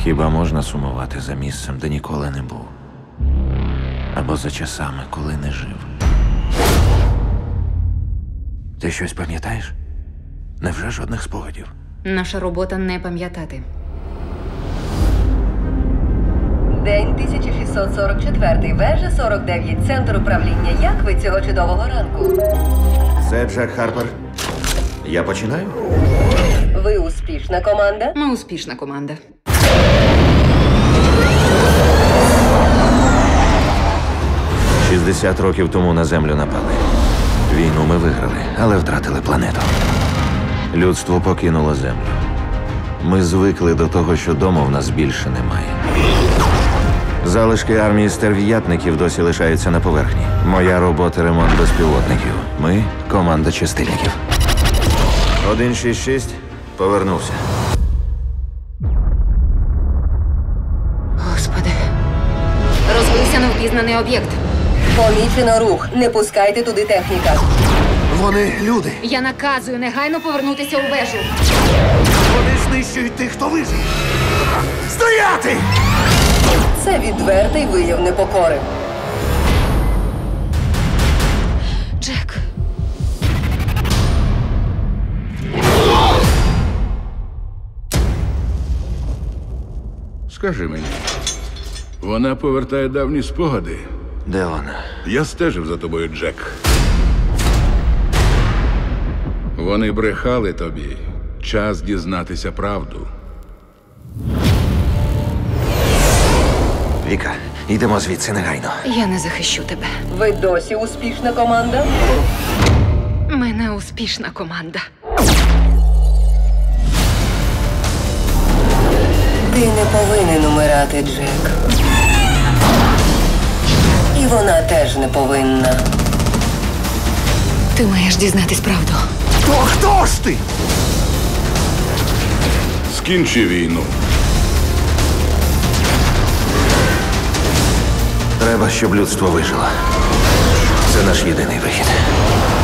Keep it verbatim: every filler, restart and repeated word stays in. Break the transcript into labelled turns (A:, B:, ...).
A: Хіба можна сумувати за місцем, де ніколи не був? Або за часами, коли не жив? Ти щось пам'ятаєш? Невже жодних спогадів?
B: Наша робота не пам'ятати.
C: День тисяча шістсот сорок четвертий, вежа сорок дев'ять, центр управління. Як ви цього чудового ранку?
A: Це Джек Харпер. Я починаю?
C: Ви успішна команда?
B: Ми успішна команда.
A: шістдесят років тому на Землю напали. Війну ми виграли, але втратили планету. Людство покинуло Землю. Ми звикли до того, що дому в нас більше немає. Залишки армії стерв'ятників досі лишаються на поверхні. Моя робота – ремонт безпілотників. Ми – команда чистильників. один шість шість повернувся.
B: Господи. Розбився невпізнаний об'єкт.
C: Помічено рух. Не пускайте туди техніка.
D: Вони люди.
B: Я наказую негайно повернутися у вежу.
D: Вони знищують тих, хто вижив. Стояти!
C: Це відвертий вияв непокори.
B: Джек.
E: Скажи мені, вона повертає давні спогади.
A: Де вона?
E: Я стежив за тобою, Джек. Вони брехали тобі. Час дізнатися правду.
A: Віка, йдемо звідси негайно.
B: Я не захищу тебе.
C: Ви досі успішна команда?
B: Ми не успішна команда.
C: Ти не повинен умирати, Джек. І вона теж не повинна.
B: Ти маєш дізнатись правду.
D: То хто ж ти?
E: Скінчи війну.
A: Треба, щоб людство вижило. Це наш єдиний вихід.